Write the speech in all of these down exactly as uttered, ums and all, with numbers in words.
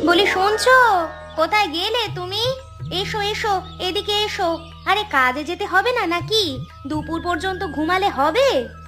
বলি শুনছো? কোথায় গেলে তুমি? এসো এসো, এদিকে এসো। আরে কাজে যেতে হবে না নাকি? দুপুর পর্যন্ত ঘুমালে হবে?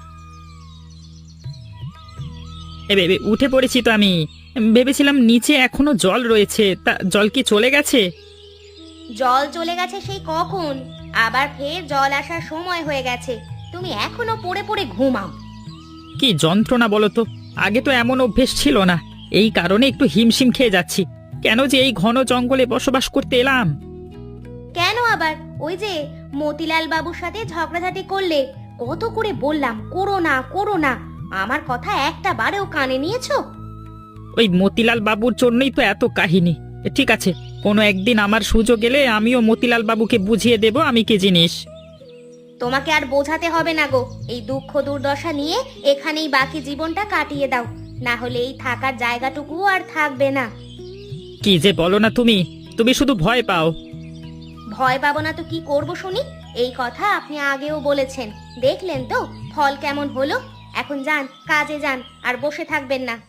এ বে, বে, উঠে পড়েছি তো আমি। ভেবেছিলাম নিচে এখনো জল রয়েছে, তা জল কি চলে গেছে? জল চলে গেছে সেই কখন, আবার ফের জল আসার সময় হয়ে গেছে। তুমি এখনো পড়ে পড়ে ঘুমাও। কি যন্ত্রণা বলো তো। আগে তো এমন অভ্যেস ছিল না, এই কারণে একটু হিমশিম খেয়ে যাচ্ছি। কেন যে এই ঘন জঙ্গলে বসবাস করতে এলাম? কেন আবার ওই যে মতিলাল বাবুর সাথে ঝগড়াঝাটি করলে? কত করে বললাম করো না করো না, আমার কথা একটা বারেও কানে নিয়েছো? ওই মতিলাল বাবুর জন্যই তো এত কাহিনী। ঠিক আছে, কোনো একদিন আমার সুযোগ এলে আমিও মতিলাল বাবুকে বুঝিয়ে দেব আমি কি জিনিস। তোমাকে আর বোঝাতে হবে না গো। এই দুঃখ দুর্দশা নিয়ে এখানেই বাকি জীবনটা কাটিয়ে দাও, না হলে এই থাকার জায়গাটুকু আর থাকবে না। কি যে বলো না তুমি, তুমি শুধু ভয় পাও। ভয় পাবো না তো কি করব শুনি? এই কথা আপনি আগেও বলেছেন, দেখলেন তো ফল কেমন হলো। এখন যান, কাজে যান, আর বসে থাকবেন না।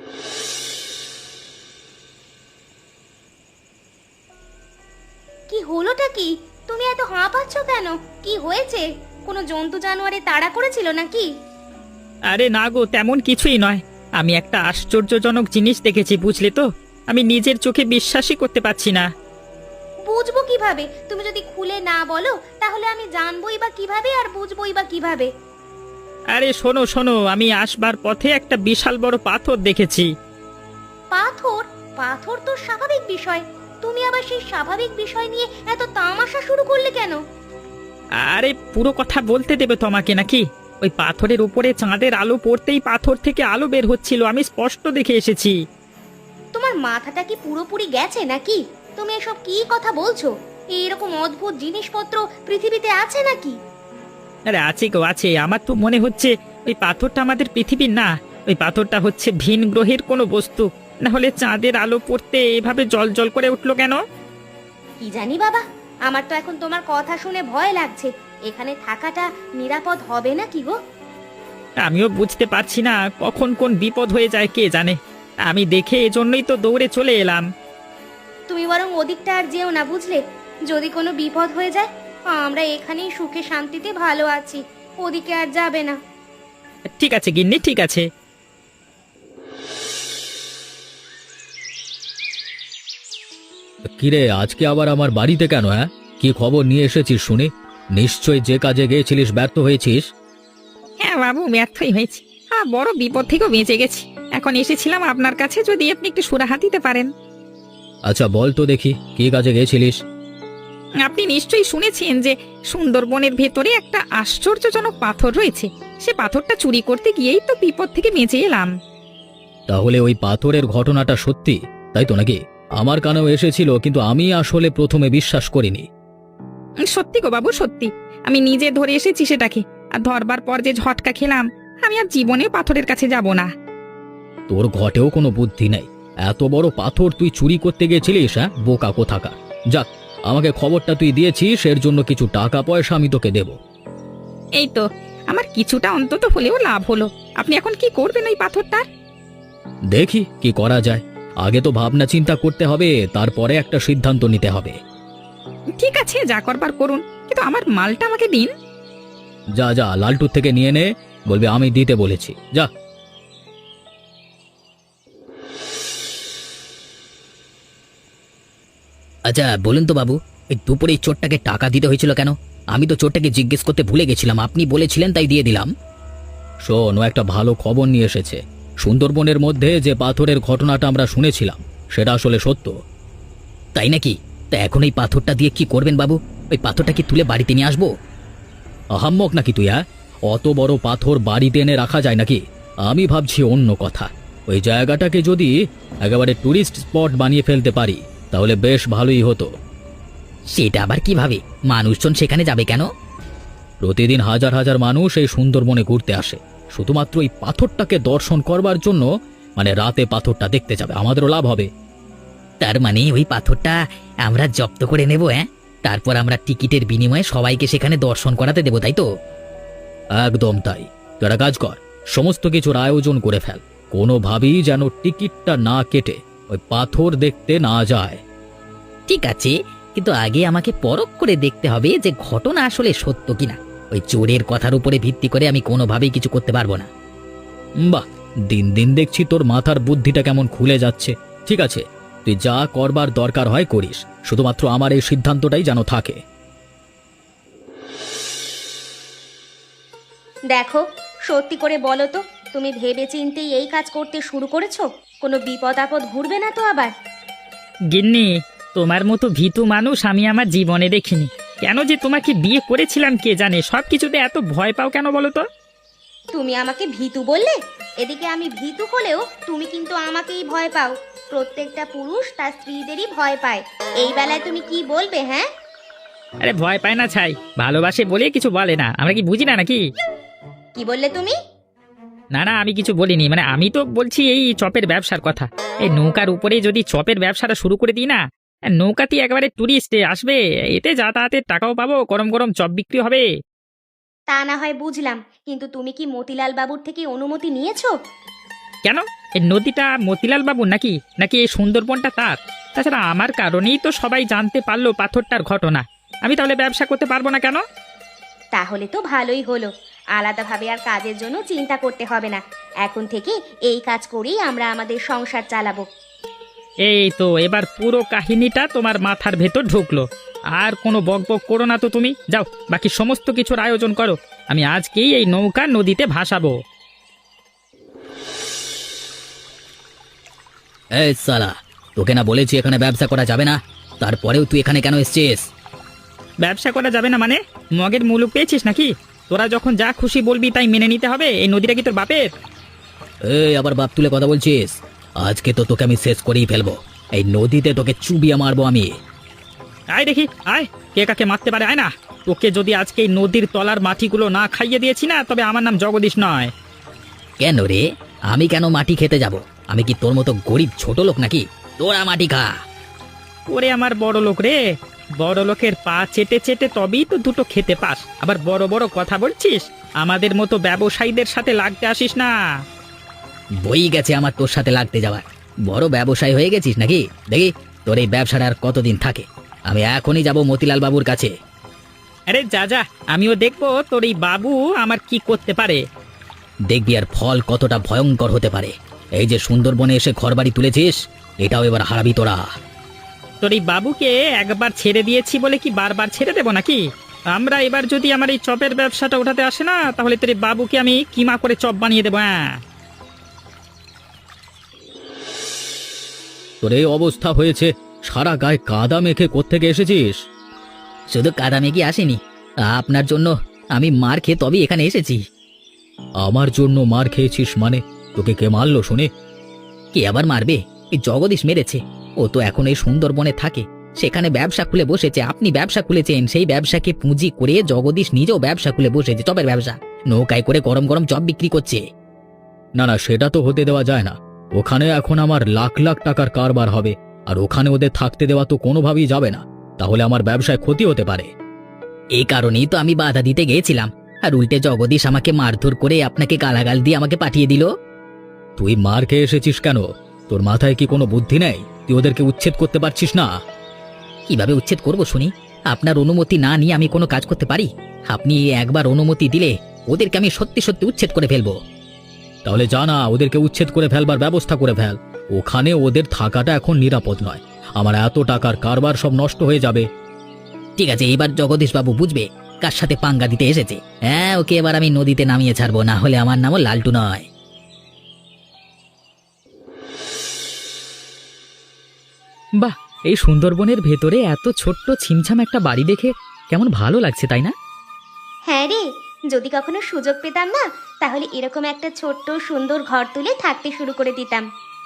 কি হলোটা কি? তুমি এত হাঁপাচ্ছ কেন? কি হয়েছে? কোনো জন্তু জানোয়ারে তাড়া করেছিল নাকি? আরে না গো, তেমন কিছুই নয়। আমি একটা আশ্চর্যজনক জিনিস দেখেছি, বুঝলে তো। আমি নিজের চোখে বিশ্বাসই করতে পারছি না। বুঝবো কিভাবে? তুমি যদি খুলে না বলো তাহলে আমি জানবোই বা কিভাবে, আর বুঝবোই বা কিভাবে? আরে শোনো শোনো, আমি আসবার পথে একটা বিশাল বড় পাথর দেখেছি। পাথর? পাথর তো স্বাভাবিক বিষয়, তুমি আবার সেই স্বাভাবিক বিষয় নিয়ে এত তামাশা শুরু করলে কেন? আরে পুরো কথা বলতে দেবে তোমাকে নাকি? ওই পাথরের উপরে চাঁদের আলো পড়তেই পাথর থেকে আলো বের হচ্ছিল, আমি স্পষ্ট দেখে এসেছি। তোমার মাথাটা কি পুরোপুরি গেছে নাকি? তুমি এসব কি কথা বলছো? এইরকম অদ্ভুত জিনিসপত্র পৃথিবীতে আছে নাকি? আরে আছে গো আছে, আমার তো মনে হচ্ছে ওই পাথরটা আমাদের পৃথিবীর না, ওই পাথরটা হচ্ছে ভিন গ্রহের কোনো বস্তু। না হলে চাঁদের আলো পড়তে এভাবে জল জল করে উঠলো কেন? কি জানি বাবা, আমার তো এখন তোমার কথা শুনে ভয় লাগছে। এখানে থাকাটা নিরাপদ হবে না কি গো? আমিও বুঝতে পারছি না কখন কোন বিপদ হয়ে যায় কে জানে। আমি দেখে এজন্যই তো দৌড়ে চলে এলাম। তুমি বরং ওদিকটা আর যেও না, বুঝলে? যদি কোনো বিপদ হয়ে যায়, আমরা এখানেই সুখে শান্তিতে ভালো আছি, ওদিকে আর যাবে না। ঠিক আছে গিন্নি, ঠিক আছে। কিরে, আজকে আবার আমার বাড়িতে কেন? হ্যাঁ, কি খবর নিয়ে এসেছিস শুনি? নিশ্চয় যে কাজে গিয়েছিলিস ব্যর্থ হয়েছিস। হ্যাঁ বাবু, ব্যর্থই হয়েছি। হ্যাঁ, বড় বিপদ থেকেও বেঁচে গেছি। এখন এসেছিলাম আপনার কাছে, যদি আপনি একটু সুরাহা দিতে পারেন। আচ্ছা বল তো দেখি, কি কাজে গিয়েছিলিস? আপনি নিশ্চয়ই শুনেছেন যে সুন্দরবনের ভেতরে একটা আশ্চর্যজনক পাথর রয়েছে। সে পাথরটা চুরি করতে গিয়েই তো বিপদ থেকে বেঁচে এলাম। তাহলে ওই পাথরের ঘটনাটা সত্যি, তাই তো নাকি? আমার কানেও এসেছিল, কিন্তু আমি আসলে প্রথমে বিশ্বাস করিনি। সত্যি গো বাবু, সত্যি। আমি নিজে ধরে এসেছি সেটাকে, আর ধরবার পর যে ঝটকা খেলাম, আমি আর জীবনে পাথরের কাছে যাব না। তোর ঘটেও কোনো বুদ্ধি নেই। এত বড় পাথর তুই চুরি করতে গেছিলিস? হ্যাঁ, বোকা কোথাকার। যাক, আমাকে খবরটা তুই দিয়েছিস, এর জন্য কিছু টাকা পয়সা আমি তোকে দেব। এই তো আমার কিছুটা অন্তত হলেও লাভ হলো। আপনি এখন কি করবেন ওই পাথরটার? দেখি কি করা যায়। আগে তো ভাবনা চিন্তা করতে হবে, তারপরে একটা সিদ্ধান্ত নিতে হবে। ঠিক আছে, যা করবার করুন, কিন্তু আমার মালটা আমাকে দিন। যা যা, লালটুর থেকে নিয়ে নে, বলবি আমি দিতে বলেছি। যা। আচ্ছা বলুন তো বাবু, এই দুপুরে এই চোরটাকে টাকা দিতে হয়েছিল কেন? আমি তো চোরটাকে জিজ্ঞেস করতে ভুলে গেছিলাম, আপনি বলেছিলেন তাই দিয়ে দিলাম। শোন, ও একটা ভালো খবর নিয়ে এসেছে। সুন্দরবনের মধ্যে যে পাথরের ঘটনাটা আমরা শুনেছিলাম, সেটা আসলে সত্য। তাই নাকি? তা এখন এই পাথরটা দিয়ে কি করবেন বাবু? ওই পাথরটা কি তুলে বাড়িতে নিয়ে আসবো? আহাম্মক নাকি তুই? হ্যাঁ, অত বড় পাথর বাড়িতে এনে রাখা যায় নাকি? আমি ভাবছি অন্য কথা। ওই জায়গাটাকে যদি একেবারে টুরিস্ট স্পট বানিয়ে ফেলতে পারি, তাহলে বেশ ভালোই হতো। সেটা আবার কিভাবে? মানুষজন সেখানে যাবে কেন? প্রতিদিন হাজার হাজার মানুষ এই সুন্দরবনে ঘুরতে আসে, শুধুমাত্র এই পাথরটাকে দর্শন করবার জন্য। মানে রাতে পাথরটা দেখতে যাবে, আমাদেরও লাভ হবে। তার মানে ওই পাথরটা আমরা জব্দ করে নেব? হ্যাঁ, তারপর আমরা টিকিটের বিনিময়ে সবাইকে সেখানে দর্শন করাতে দেব, তাই তো? একদম তাই। তুই একটা কাজ কর, সমস্ত কিছুর আয়োজন করে ফেল। কোনোভাবেই যেন টিকিটটা না কেটে ওই পাথর দেখতে না যায়। ঠিক আছে, কিন্তু আগে আমাকে পরখ করে দেখতে হবে যে ঘটনা আসলে সত্য কিনা। ওই চোরের কথার উপরে ভিত্তি করে আমি কোনোভাবেই কিছু করতে পারবো না। বাহ, দিন দিন দেখছি তোর মাথার বুদ্ধিটা কেমন খুলে যাচ্ছে। ঠিক আছে, তুই যা করবার দরকার হয় করিস, শুধুমাত্র আমার এই সিদ্ধান্তটাই যেন থাকে। দেখো, সত্যি করে বলো তো, তুমি ভেবে চিন্তেই এই কাজ করতে শুরু করেছো? কোনো বিপদ আপদ ঘুরবে না তো আবার? গিন্নি, তোমার মতো ভীতু মানুষ আমি আমার জীবনে দেখিনি। কেন যে তোমাকে বিয়ে করেছিলাম কে জানে, সব কিছুতে এত ভয় পাও কেন বলো তো? তুমি আমাকে ভীতু বললে? এদিকে আমি ভীতু হলেও তুমি কিন্তু আমাকেই ভয় পাও। প্রত্যেকটা পুরুষ তার স্ত্রীদেরই ভয় পায়। এই বেলায় তুমি কি বলবে? হ্যাঁ, আরে ভয় পায় না ছাই, ভালোবাসে বলে কিছু বলে না। আমরা কি বুঝি না নাকি? কি বললে তুমি? না না, আমি কিছু বলিনি। মানে আমি তো বলছি এই চপের ব্যবসার কথা। এই নৌকার উপরে যদি চপের ব্যবসাটা শুরু করে দিই না, নৌকাতে একেবারে টুরিস্ট আসবে, এতে যাতায়াতের টাকাও পাবো, গরম গরম চপ বিক্রি হবে। তা না হয় বুঝলাম, কিন্তু তুমি কি মতিলাল বাবুর থেকে অনুমতি নিয়েছো? কেন? এই নদীটা মতিলাল বাবুর নাকি নাকি এই সুন্দরবনটা তার? তাছাড়া আমার কারণেই তো সবাই জানতে পারলো পাথরটার ঘটনা। আমি তাহলে ব্যবসা করতে পারবো না কেন? তাহলে তো ভালোই হলো, আলাদাভাবে আর কাজের জন্য চিন্তা করতে হবে না। এখন থেকে এই কাজ করেই আমরা আমাদের সংসার চালাবো। এই তো এবার পুরো কাহিনীটা তোমার মাথার ভেতর ঢুকলো। আর কোনো বকবক করো না তো তুমি। যাও, বাকি সমস্ত কিছুর আয়োজন করো। আমি আজকেই এই নৌকা নদীতে ভাসাবো। এই সালা, তোকে না বলেছি এখানে ব্যবসা করা যাবে না? তারপরেও তুই এখানে কেন এসেছিস? ব্যবসা করা যাবে না মানে? মগের মুলুক পেয়েছিস নাকি? তোরা যখন যা খুশি বলবি তাই মেনে নিতে হবে? এই নদীটা কি তোর বাপের? এই আবার বাপ তুলে কথা বলছিস? আজকে তো তোকে আমি শেষ করেই ফেলবো। এই নদীতে তোকে চুবিয়ে মারবো আমি। আয় দেখি, আয়, কে কাকে মারতে পারে, আয় না। তোকে যদি আজকে এই নদীর তলার মাটিগুলো না খাইয়ে দিয়েছি না, তবে আমার নাম জগদীশ নয়। কেন রে? আমি কেন মাটি খেতে যাব? আমি কি তোর মতো গরিব ছোট লোক নাকি? তোরা মাটি খা। ওরে আমার বড় লোক রে, বড় লোকের পা চেটে চেটে তবেই তো দুটো খেতে পাস, আবার বড় বড় কথা বলছিস। আমাদের মতো ব্যবসায়ীদের সাথে লাগতে আসিস না। বই গেছে আমার তোর সাথে লাগতে যাওয়ার। বড় ব্যবসায়ী হয়ে গেছিস নাকি? দেখি তোর এই ব্যবসাটা আর কতদিন থাকে। আমি এখনই যাব মতিলাল বাবুর কাছে। আরে যা যা, আমিও দেখবো তোর এই বাবু আমার কি করতে পারে। দেখবি আর ফল কতটা ভয়ঙ্কর হতে পারে। এই যে সুন্দরবনে এসে ঘরবাড়ি তুলেছিস, এটাও এবার হারাবি তোরা। তোর এই বাবুকে একবার ছেড়ে দিয়েছি বলে কি বারবার ছেড়ে দেবো নাকি? আমরা এবার যদি আমার এই চপের ব্যবসাটা উঠাতে আসে না, তাহলে তোর এই বাবুকে আমি কিমা করে চপ বানিয়ে দেবো। হ্যাঁ, তোর এই অবস্থা হয়েছে, সারা গায়ে কাদা মেখে কোত্থেকে এসেছিস? শুধু কাদা মেখে আসেনি, আপনার জন্য আমি মার খেয়ে তবেই এখানে এসেছি। আমার জন্য মার খেয়েছিস মানে? তোকে কে মারলো শুনে? কে আবার মারবে? এই জগদীশ মেরেছে। ও তো এখন এই সুন্দরবনে থাকে, সেখানে ব্যবসা খুলে বসেছে। আপনি ব্যবসা খুলেছেন, সেই ব্যবসাকে পুঁজি করে জগদীশ নিজেও ব্যবসা খুলে বসেছে, চপের ব্যবসা। নৌকায় করে গরম গরম চপ বিক্রি করছে। না না, সেটা তো হতে দেওয়া যায় না। ওখানে এখন আমার লাখ লাখ টাকার কারবার হবে, আর ওখানে ওদের থাকতে দেওয়া তো কোনোভাবেই যাবে না। তাহলে আমার ব্যবসায় ক্ষতি হতে পারে। এই কারণেই তো আমি বাধা দিতে গিয়েছিলাম, আর উল্টে জগদীশ আমাকে মারধর করে আপনাকে গালাগাল দিয়ে আমাকে পাঠিয়ে দিল। তুই মার খেয়ে এসেছিস কেন? তোর মাথায় কি কোনো বুদ্ধি নেই? তুই ওদেরকে উচ্ছেদ করতে পারছিস না? কিভাবে উচ্ছেদ করব শুনি? আপনার অনুমতি না নিয়ে আমি কোনো কাজ করতে পারি? আপনি একবার অনুমতি দিলে ওদেরকে আমি সত্যি সত্যি উচ্ছেদ করে ফেলবো। তাহলে জানা, ওদেরকে উচ্ছেদ করে ফেলবার ব্যবস্থা করে ফেল। ওখানে ওদের থাকাটা এখন নিরাপদ নয়। আমার এত টাকার কারবার সব নষ্ট হয়ে যাবে। ঠিক আছে, এবার জগদীশ বাবু বুঝবে কার সাথে পাঙ্গা দিতে এসেছে। হ্যাঁ, ওকে এবার আমি নদীতে নামিয়ে ছাড়বো, না হলে আমার নামও লালটু নয়। বাহ, এই সুন্দরবনের ভেতরে এত ছোট্ট ছিমছাম একটা বাড়ি দেখে কেমন ভালো লাগছে, তাই না? হ্যাঁ রে, যদি কখনো সুযোগ পেতাম না, তাহলে এরকম একটা ছোট্ট সুন্দর ঘর তুলে থাকতে শুরু করে দিতাম।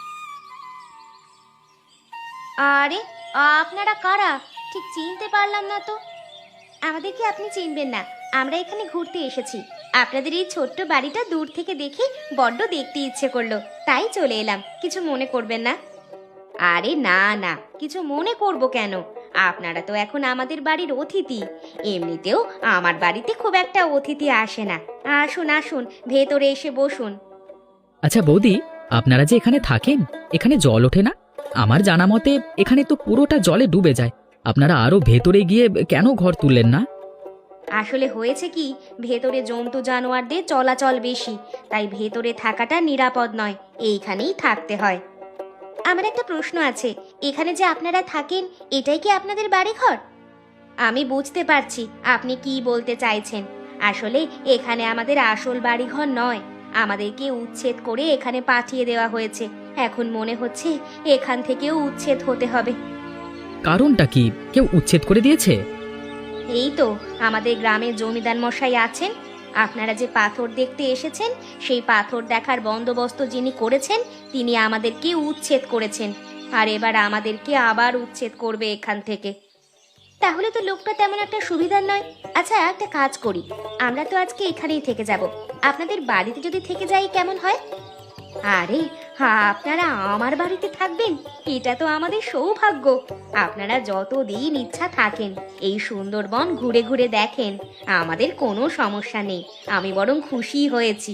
আরে, আপনারা কারা? ঠিক চিনতে পারলাম না তো। আমাদেরকে আপনি চিনবেন না, আমরা এখানে ঘুরতে এসেছি। আপনাদের এই ছোট্ট বাড়িটা দূর থেকে দেখে বড্ড দেখতে ইচ্ছে করলো, তাই চলে এলাম। কিছু মনে করবেন না। আরে না না, কিছু মনে করব কেন? আপনারা তো এখন আমাদের বাড়ির অতিথি। এমনিতেও আমার বাড়িতে খুব একটা অতিথি আসে না। আসুন আসুন, ভেতরে এসে বসুন। আচ্ছা বৌদি, আপনারা যে এখানে থাকেন, এখানে জল ওঠে না? আমার জানা মতে এখানে তো পুরোটা জলে ডুবে যায়। আপনারা আরো ভেতরে গিয়ে কেন ঘর তুললেন না? আসলে হয়েছে কি, ভেতরে জন্তু জানোয়ারদের চলাচল বেশি, তাই ভেতরে থাকাটা নিরাপদ নয়, এইখানেই থাকতে হয়। আমার একটা প্রশ্ন আছে, এখানে যে আপনারা থাকেন এটাই কি আপনাদের বাড়িঘর? আমি বুঝতে পারছি আপনি কি বলতে চাইছেন। আসলে এখানে আমাদের আসল বাড়িঘর নয়, আমাদেরকে উচ্ছেদ করে এখানে পাঠিয়ে দেওয়া হয়েছে। এখন মনে হচ্ছে এখান থেকেও উচ্ছেদ হতে হবে। কারণটা কি? কেউ উচ্ছেদ করে দিয়েছে? এই তো আমাদের গ্রামে জমিদার মশাই আছেন, আপনারা যে পাথর দেখতে এসেছেন সেই পাথর দেখার বন্দোবস্ত যিনি করেছেন তিনি আমাদেরকে উচ্ছেদ করেছেন, আর এবার আমাদেরকে আবার উচ্ছেদ করবে এখান থেকে। তাহলে তো লোকটা তেমন একটা সুবিধার নয়। আচ্ছা একটা কাজ করি, আমরা তো আজকে এখানেই থেকে যাব, আপনাদের বাড়িতে যদি থেকে যাই কেমন হয়? আরে হ্যাঁ, আপনারা আমার বাড়িতে থাকবেন, এটা তো আমাদের সৌভাগ্য। আপনারা যতদিন ইচ্ছা থাকেন, এই সুন্দরবন ঘুরে ঘুরে দেখেন, আমাদের কোনো সমস্যা নেই, আমি বরং খুশি হয়েছি।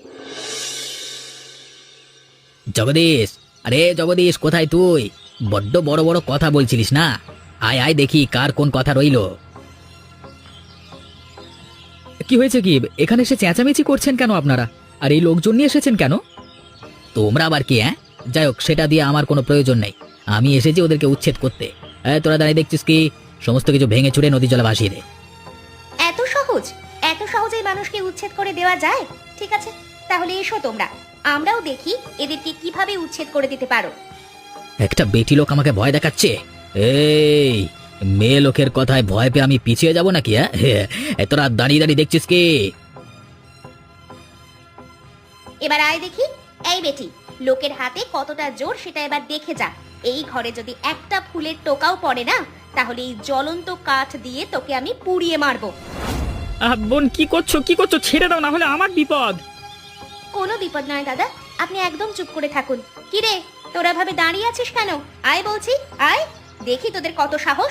জগদীশ, আরে জগদীশ, কোথায় তুই? বড্ড বড় বড় কথা বলছিলিস না? আয় আয় দেখি কার কোন কথা রইল। কি হয়েছে কি? এখানে এসে চেঁচামেচি করছেন কেন আপনারা? আর এই লোকজন নিয়ে এসেছেন কেন? তোমরা আবার কি? হ্যাঁ, যাই হোক, সেটা দিয়ে আমার কোনো প্রয়োজন নেই। আমি এসেছি ওদেরকে উচ্ছেদ করতে। এই, তোরা দাঁড়িয়ে দেখছিস কি? সমস্ত কিছু ভেঙে চুরে নদী জলে ভাসিয়ে দে। এত সহজ? এত সহজেই মানুষকে উচ্ছেদ করে দেওয়া যায়? ঠিক আছে, তাহলে এসো তোমরা, আমরাও দেখি এদেরকে কিভাবে উচ্ছেদ করে দিতে পারো। একটা বেটি লোক আমাকে ভয় দেখাচ্ছে। এই মেয়ে লোকের কথায় ভয় পেয়ে আমি পিছিয়ে যাব নাকি? হ্যাঁ, তোরা দাঁড়িয়ে দাঁড়িয়ে দেখছিস কি? এবার আয় দেখি। এই বেটি, লোকের হাতে কতটা জোর সেটা এবার দেখে যা। এই ঘরে যদি একটা ফুলের টোকাও পড়ে না, তাহলে এই জ্বলন্ত কাঠ দিয়ে তোকে আমি পুড়িয়ে মারবো। আহ, বোন কি করছো কি করছো? ছেড়ে দাও, না হলে আমার বিপদ। কোনো বিপদ নয় দাদা, আপনি একদম চুপ করে থাকুন। কি রে, তোরা ভাবে দাঁড়িয়ে আছিস কেন? আয় বলছি, আয়, দেখি তোদের কত সাহস।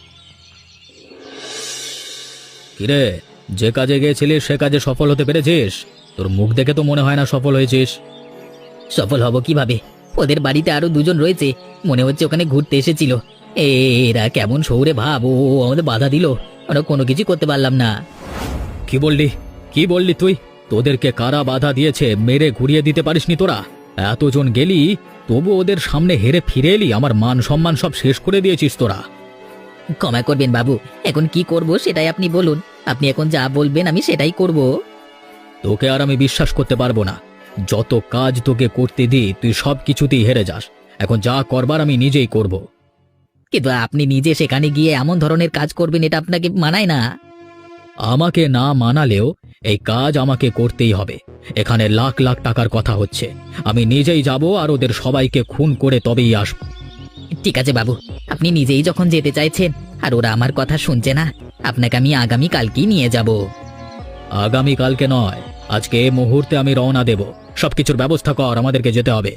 কিরে, যে কাজে গিয়েছিলিস সে কাজে সফল হতে পেরেছিস? তোর মুখ দেখে তো মনে হয় না সফল হয়েছিস। সফল হব কিভাবে? ওদের বাড়িতে আরো দুজন রয়েছে, মনে হচ্ছে ওখানে ঘুরতে এসেছিল। এরা কেমন শহুরে ভাব, ও আমাদের বাধা দিল, আমরা কোনো কিছু করতে পারলাম না। কি বললি? কি বললি তুই? তোদেরকে কারা বাধা দিয়েছে? মেরে ঘুরিয়ে দিতে পারিসনি তোরা? এতজন গেলি, তবু ওদের সামনে হেরে ফিরে এলি, আমার মান সম্মান সব শেষ করে দিয়েছিস তোরা। ক্ষমা করবেন বাবু, এখন কি করব সেটাই আপনি বলুন। আপনি এখন যা বলবেন আমি সেটাই করব। তোকে আর আমি বিশ্বাস করতে পারবো না। যত কাজ তোকে করতে দিই তুই সব কিছুতেই হেরে যাস। এখন যা করবার আমি নিজেই করব। কিন্তু আপনি নিজে সেখানে গিয়ে এমন ধরনের কাজ করবেন, এটা আপনাকে মানায় না। আমাকে না মানালেও এই কাজ আমাকে করতেই হবে। এখানে লাখ লাখ টাকার কথা হচ্ছে, আমি নিজেই যাব আর ওদের সবাইকে খুন করে তবেই আসব। ঠিক আছে বাবু, আপনি নিজেই যখন যেতে চাইছেন আর ওরা আমার কথা শুনছে না, আপনাকে আমি আগামী কালকেই নিয়ে যাব। আগামী কালকে নয়, আজকে এই মুহূর্তে আমি রওনা দেব। সবকিছুর ব্যবস্থা কর, আমাদেরকে যেতে হবে।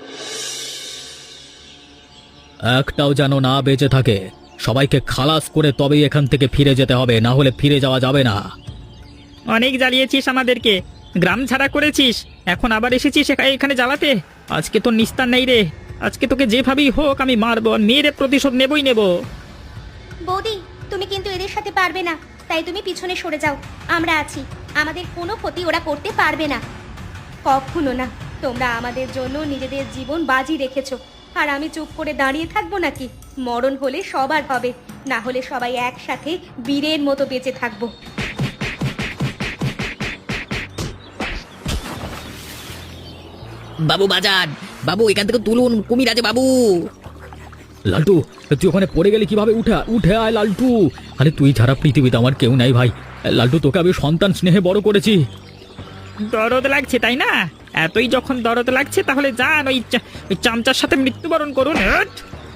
একটাও যেন না বেঁচে থাকে, সবাইকে খালাস করে তবেই এখান থেকে ফিরে যেতে হবে, না হলে ফিরে যাওয়া যাবে না। অনেক জ্বালিয়েছিস আমাদেরকে, গ্রাম ছাড়া করেছিস, এখন আবার এসেছিস এখা- এখানে জ্বালাতে। আজকে তোর নিস্তার নেই রে, আজকে তোকে যেভাবেই হোক আমি মারবো, আর মেয়ের প্রতিশোধ নেবই নেব। বৌদি, তুমি কিন্তু এদের সাথে পারবে না, তাই তুমি পিছনে সরে যাও, আমরা আছি, আমাদের কোনো ক্ষতি ওরা করতে পারবে না। কখনো না, তোমরা আমাদের জন্য নিজেদের জীবন বাজি রেখেছো, আর আমি চুপ করে দাঁড়িয়ে থাকবো নাকি? মরণ হলে সবার হবে, না হলে সবাই একসাথে বীরের মতো বেঁচে থাকবো। বাবু বাজান, বাবু এখান থেকে তুলুন, কুমির আছে বাবু। লালটু, তুই ওখানে পড়ে গেলি কিভাবে? উঠে উঠে আয় লালটু। আরে তুই ছাড়া পৃথিবীতে আমার কেউ নাই ভাই। লালটু, তোকে আমি সন্তান স্নেহে বড় করেছি। দরদ লাগছে তাই না? এতই যখন দরদ লাগছে তাহলে যান ওই চা- ওই চামচার সাথে মৃত্যুবরণ করুন। হ্যাট!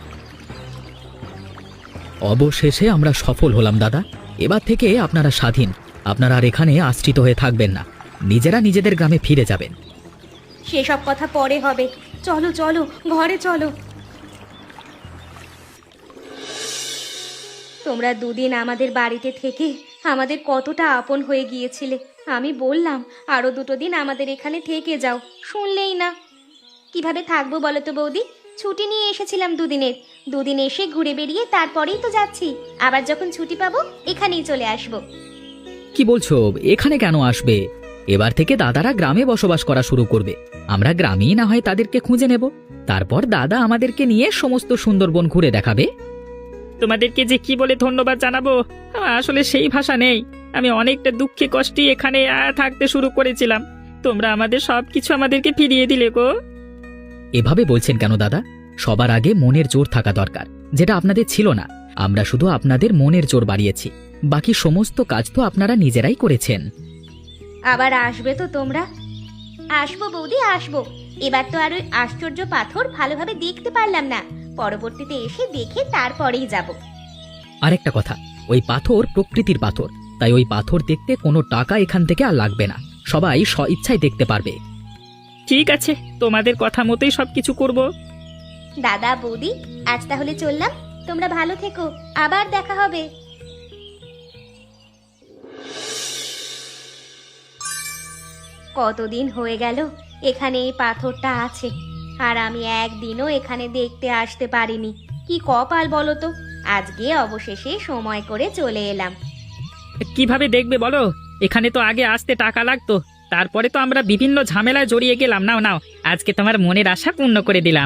অবশেষে আমরা সফল হলাম দাদা। এবার থেকে আপনারা স্বাধীন, আপনারা আর এখানে আশ্রিত হয়ে থাকবেন না, নিজেরা নিজেদের গ্রামে ফিরে যাবেন। সেসব কথা পরে হবে, চলো চলো ঘরে চলো। তোমরা দুদিন আমাদের বাড়িতে থেকে আমাদের কতটা আপন হয়ে গিয়েছিলে। আমি বললাম আরো দুটো দিন আমাদের এখানে থেকে যাও, শুনলেই না। কিভাবে থাকবো বলো তো বৌদি? ছুটি নিয়ে এসেছিলাম দুদিনের। দুদিন এসে ঘুরে বেরিয়ে তারপরেই তো যাচ্ছি। আবার যখন ছুটি পাবো এখানেই চলে আসবো। কি বলছো, এখানে কেন আসবে? এবার থেকে দাদারা গ্রামে বসবাস করা শুরু করবে। আমরা গ্রামেই না হয় তাদেরকে খুঁজে নেব। তারপর দাদা আমাদেরকে নিয়ে সমস্ত সুন্দরবন ঘুরে দেখাবে। তোমাদেরকে যে কি বলে ধন্যবাদ জানাবো, আমার আসলে সেই ভাষা নেই। আমি অনেকটা দুঃখে কষ্টে এখানে আহ, থাকতে শুরু করেছিলাম। তোমরা আমাদের সবকিছু আমাদেরকে ফিরিয়ে দিলে গো। এভাবে বলছেন কেন দাদা? সবার আগে মনের জোর থাকা দরকার, যেটা আপনাদের ছিল না। আমরা শুধু আপনাদের মনের জোর বাড়িয়েছি, বাকি সমস্ত কাজ তো আপনারা নিজেরাই করেছেন। আবার আসবে তো তোমরা? আসবো বৌদি, আসবো। এবার তো আর ওই আশ্চর্য পাথর ভালোভাবে দেখতে পারলাম না। পরবর্তীতে এসে দেখে তারপরেই যাব। আরেকটা কথা, ওই পাথর প্রকৃতির পাথর, তাই ওই পাথর দেখতে কোনো টাকা এখান থেকে আর লাগবে না। সবাই স্ব ইচ্ছায় দেখতে পারবে। ঠিক আছে, তোমাদের কথা মতোই সবকিছু করব। দাদা বৌদি, আজ তাহলে চললাম। তোমরা ভালো থেকো, আবার দেখা হবে। কতদিন হয়ে গেল এখানে এই পাথরটা আছে, আর আমি একদিনও এখানে দেখতে আসতে পারিনি। কি কপাল বলো তো, আজকে অবশেষে সময় করে চলে এলাম। কিভাবে দেখবে বলো? এখানে তো আগে আসতে টাকা লাগতো, তারপরে তো আমরা বিভিন্ন ঝামেলায় জড়িয়ে গেলাম। নাও নাও, আজকে তোমার মনের আশা পূর্ণ করে দিলাম।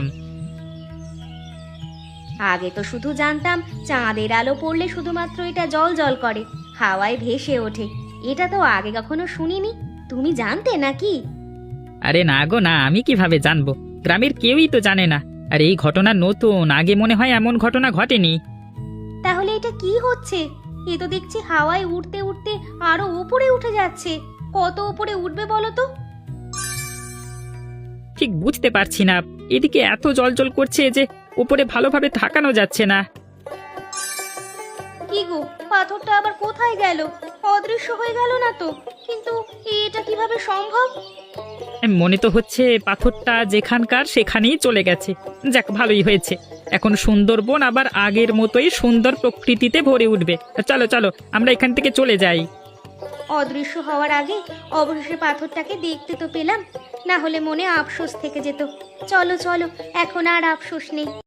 আগে তো শুধু জানতাম চাঁদের আলো পড়লে শুধুমাত্র এটা জল জল করে, হাওয়ায় ভেসে ওঠে। এটা তো আগে কখনো শুনিনি। তুমি জানতে নাকি? আরে না গো না, আমি কিভাবে জানবো? গ্রামের কেউই তো জানে না। আর এই ঘটনা নতুন, আগে মনে হয় এমন ঘটনা ঘটেনি। তাহলে এটা কি হচ্ছে? এ তো দেখছি হাওয়ায় উঠতে উঠতে আরো উপরে উঠে যাচ্ছে। কত উপরে উঠবে বলো তো? ঠিক বুঝতে পারছি না, এদিকে এত জল জল করছে যে উপরে ভালোভাবে তাকানো যাচ্ছে না। কি গো, পাথরটা আবার কোথায় গেল? অদৃশ্য হয়ে গেল না তো? কিন্তু এটা কিভাবে সম্ভব? মনে তো হচ্ছে পাথরটা যেখানকার সেখানেই চলে গেছে। যাক, ভালোই হয়েছে। এখন সুন্দরবন আবার আগের মতোই সুন্দর প্রকৃতিতে ভরে উঠবে। চলো চলো, আমরা এখান থেকে চলে যাই। অদৃশ্য হওয়ার আগে অবশেষে পাথরটাকে দেখতে তো পেলাম, না হলে মনে আফসোস থেকে যেত। চলো চলো, এখন আর আফসোস নেই।